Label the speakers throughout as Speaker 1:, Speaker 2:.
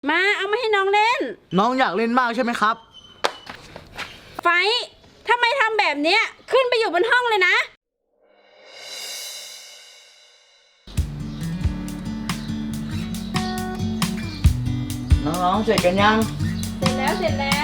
Speaker 1: มาเอามาให้น้องเล่น
Speaker 2: น้องอยากเล่นมากใช่ไหมครับ
Speaker 1: ไฟทำไมทำแบบเนี้ยขึ้นไปอยู่บนห้องเลยนะ
Speaker 2: น้องๆเสร็จกันยัง
Speaker 1: เสร็จแล้วไหนแม่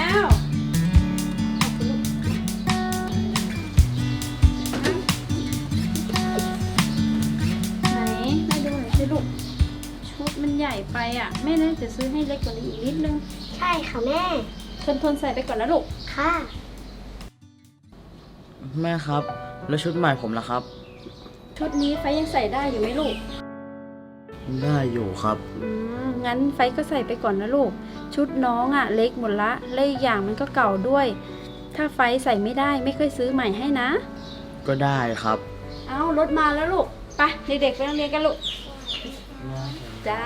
Speaker 1: ดูหน่อยสิลูกชุดมันใหญ่ไปอ่ะแม่น่าจะซื้อให้เล็กกว่านี้อีกนิดนึง
Speaker 3: ใช่ค่ะแม่
Speaker 1: ทนใส่ไปก่อนนะลูก
Speaker 3: ค่ะ
Speaker 2: แม่ครับแล้วชุดใหม่ผมล่ะครับ
Speaker 1: ชุดนี้ไฟยังใส่ได้อยู่ไหมลูก
Speaker 2: ได้อยู่ครับ
Speaker 1: งั้นไฟก็ใส่ไปก่อนนะลูกชุดน้องอ่ะเล็กหมดละและอีกอย่างมันก็เก่าด้วยถ้าไฟใส่ไม่ได้ไม่ค่อยซื้อใหม่ให้นะ
Speaker 2: ก็ได้ครับ
Speaker 1: เอารถมาแล้วลูกไปเด็กๆไปโรงเรียนกันลูกจ้า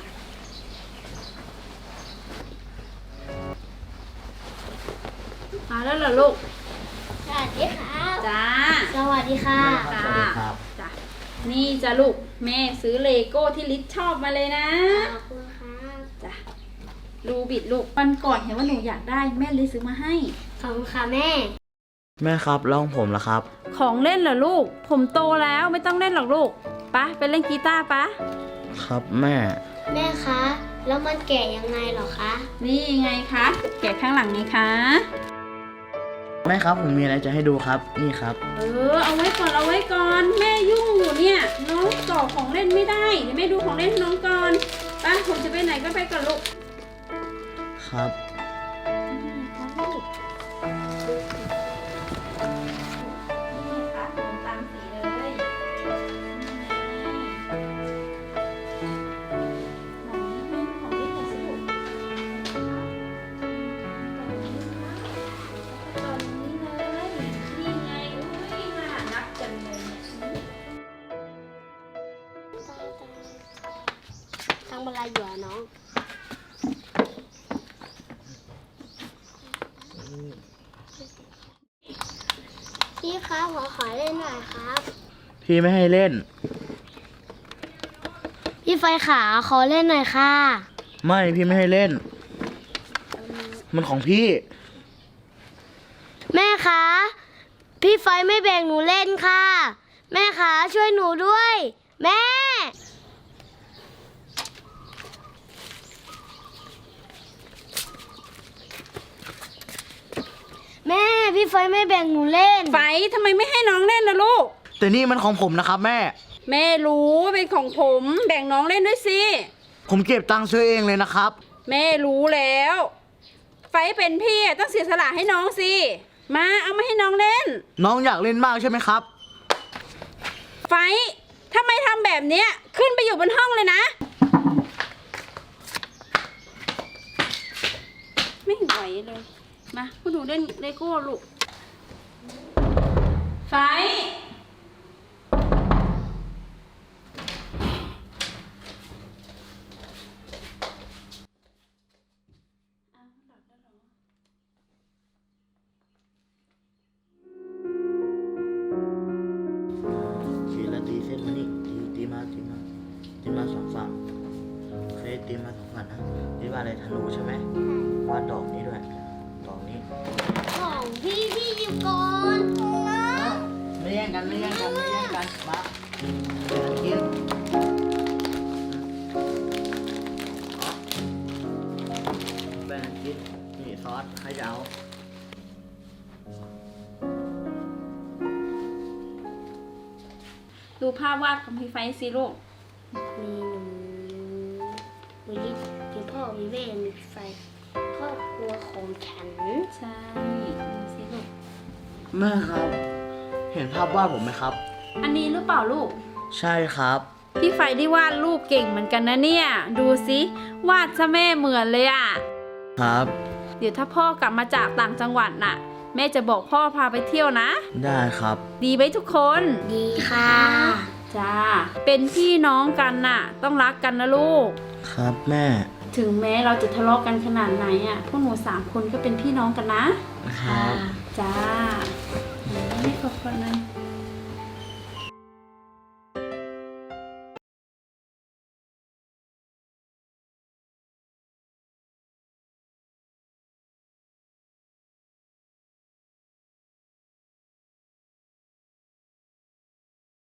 Speaker 1: มาแล้วเหรอลูก
Speaker 3: สวัสดีค่ะ
Speaker 1: จ้า
Speaker 3: สวัสดีค่ะ
Speaker 1: จ้านี่จ้าลูกแม่ซื้อเลโก้ที่ลิศชอบมาเลยนะ
Speaker 3: ขอบคุณค่ะ
Speaker 1: จ้ารูบิดลูกวันก่อนเห็นว่าหนูอยากได้แม่เลยซื้อมาให้
Speaker 3: ขอบคุณค่ะแม่
Speaker 2: ครับแล้วของผมล่ะครับ
Speaker 1: ของเล่นเหรอลูกผมโตแล้วไม่ต้องเล่นหรอกลูกไปเล่นกีตาร์
Speaker 2: ครับแม่
Speaker 3: คะแล้วมันแกะยังไงหรอคะ
Speaker 1: นี่ไงคะแกะข้างหลังไงคะ
Speaker 2: แม่ครับผมมีอะไรจะให้ดูครับนี่ครับ
Speaker 1: เอาไว้ก่อนแม่ยุ่งอยู่เนี่ยน้องต่อของเล่นไม่ได้เดี๋ยวแม่ดูของเล่นน้องก่อนผมจะไปไหนก็ไปก่อนลูก
Speaker 2: ครับ
Speaker 3: ทำอะไรอยู่น้องพี่ครับขอเล่นหน่อยครับ
Speaker 2: พี่ไม่ให้เล่น
Speaker 3: พี่ไฟขาขอเล่นหน่อยค่ะ
Speaker 2: ไม่พี่ไม่ให้เล่นมันของพี่
Speaker 3: แม่คะพี่ไฟไม่แบ่งหนูเล่นค่ะแม่คะช่วยหนูด้วยแม่พี่ไฟไม่แบ่งหนูเล่น
Speaker 1: ไฟทำไมไม่ให้น้องเล่นนะลูก
Speaker 2: แต่นี่มันของผมนะครับ
Speaker 1: แม่รู้ว่าเป็นของผมแบ่งน้องเล่นด้วยสิ
Speaker 2: ผมเก็บตังค์ซื้อเองเลยนะครับ
Speaker 1: แม่รู้แล้วไฟเป็นพี่ต้องเสียสละให้น้องสิมาเอามาให้น้องเล่น
Speaker 2: น้องอยากเล่นมากใช่ไหมครับ
Speaker 1: ไฟทำไมทำแบบเนี้ยขึ้นไปอยู่บนห้องเลยนะไม่ไหวเลยมาพวกหนูเล่นเลโก้ลูกไฟ
Speaker 2: ชี้แล้วตีเส้นมานี่ตีมาสองฝั่งเคยตีมาสองฝั่งนะตีว่าอะไรธนูใช่ไหมวาดดอกนี้ด้วยดอกนี้
Speaker 3: ของพี่หยิบก่อน
Speaker 2: ไม่แย่งกันมากินแบ่งกินนี่ซอสใครจะเอา
Speaker 1: ดูภาพวาดของพี่ไฟสิลูก
Speaker 3: มีหนูมีพ่อมีแม่มีพี่ไฟครอบครัวของฉัน
Speaker 1: ใช่ดูสิลูก
Speaker 2: แม่ครับเห็นภาพวาดผมไหมครับ
Speaker 1: อันนี้หรือเปล่าลูก
Speaker 2: ใช่ครับ
Speaker 1: พี่ไฟได้วาดรูปเก่งเหมือนกันนะเนี่ยดูสิวาดซะแม่เหมือนเลยอ่ะ
Speaker 2: ครับ
Speaker 1: เดี๋ยวถ้าพ่อกลับมาจากต่างจังหวัดน่ะแม่จะบอกพ่อพาไปเที่ยวนะ
Speaker 2: ได้ครับ
Speaker 1: ดีไหมทุกคน
Speaker 3: ดีค่ะ
Speaker 1: จ้าเป็นพี่น้องกันน่ะต้องรักกันนะลูก
Speaker 2: ครับแม่
Speaker 1: ถึงแม้เราจะทะเลาะกันขนาดไหนอ่ะพวกหนู3 คนก็เป็นพี่น้องกันนะครับจ้าไม่ขอบคุณนะ